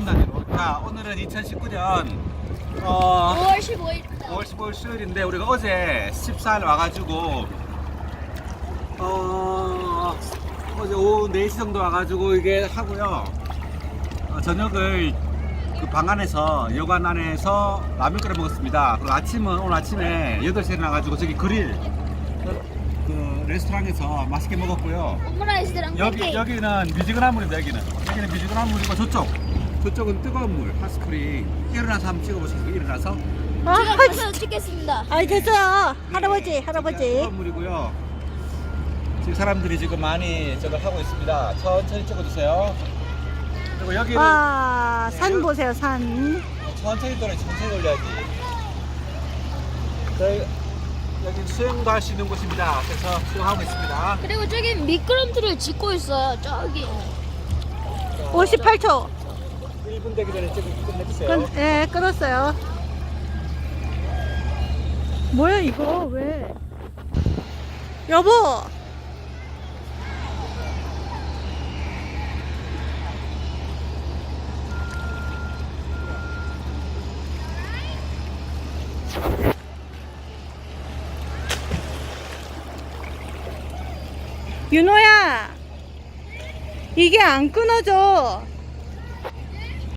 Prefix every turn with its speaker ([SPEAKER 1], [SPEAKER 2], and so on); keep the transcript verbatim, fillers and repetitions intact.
[SPEAKER 1] 단위로. 자, 오늘은 이천십구 년 어,
[SPEAKER 2] 오월 십오일입니다.
[SPEAKER 1] 오월 십오일 수요일인데 우리가 어제 십사 일 와가지고 어, 어제 오후 네 시 정도 와가지고 이게 하고요. 어, 저녁을 그 방 안에서 여관 안에서 라면 끓여 먹었습니다. 그리고 아침은 오늘 아침에 여덟 시에 나가지고 저기 그릴 그, 그 레스토랑에서 맛있게 먹었고요.
[SPEAKER 2] 오므라이스랑
[SPEAKER 1] 여기
[SPEAKER 2] 팬케이크.
[SPEAKER 1] 여기는 미지근한 물입니다. 여기는 여기는 미지근한 물이고 저쪽 저쪽은 뜨거운 물 핫스프링. 일어나서 한번 찍어보시겠어요? 일어나서
[SPEAKER 2] 제가 가서 찍겠습니다.
[SPEAKER 3] 아이 됐어요. 할아버지
[SPEAKER 1] 네,
[SPEAKER 3] 할아버지.
[SPEAKER 1] 뜨거운 물이고요. 지금 사람들이 지금 많이 저걸 하고 있습니다. 천천히 찍어주세요. 그리고 여기는
[SPEAKER 3] 와,
[SPEAKER 1] 네,
[SPEAKER 3] 산
[SPEAKER 1] 여기-
[SPEAKER 3] 보세요, 산.
[SPEAKER 1] 천천히 돌려 천천히 돌려야지. 저희 여기 수영도 할 수 있는 곳입니다. 그래서 수영하고 있습니다.
[SPEAKER 2] 그리고 저기 미끄럼틀을 짓고 있어요. 저기.
[SPEAKER 3] 오십팔 초.
[SPEAKER 1] 일 분 되기 전에 찍어 끝내주세요.
[SPEAKER 3] 끈, 예, 끊었어요. 뭐야 이거 왜? 여보. 윤호야, 이게 안 끊어져.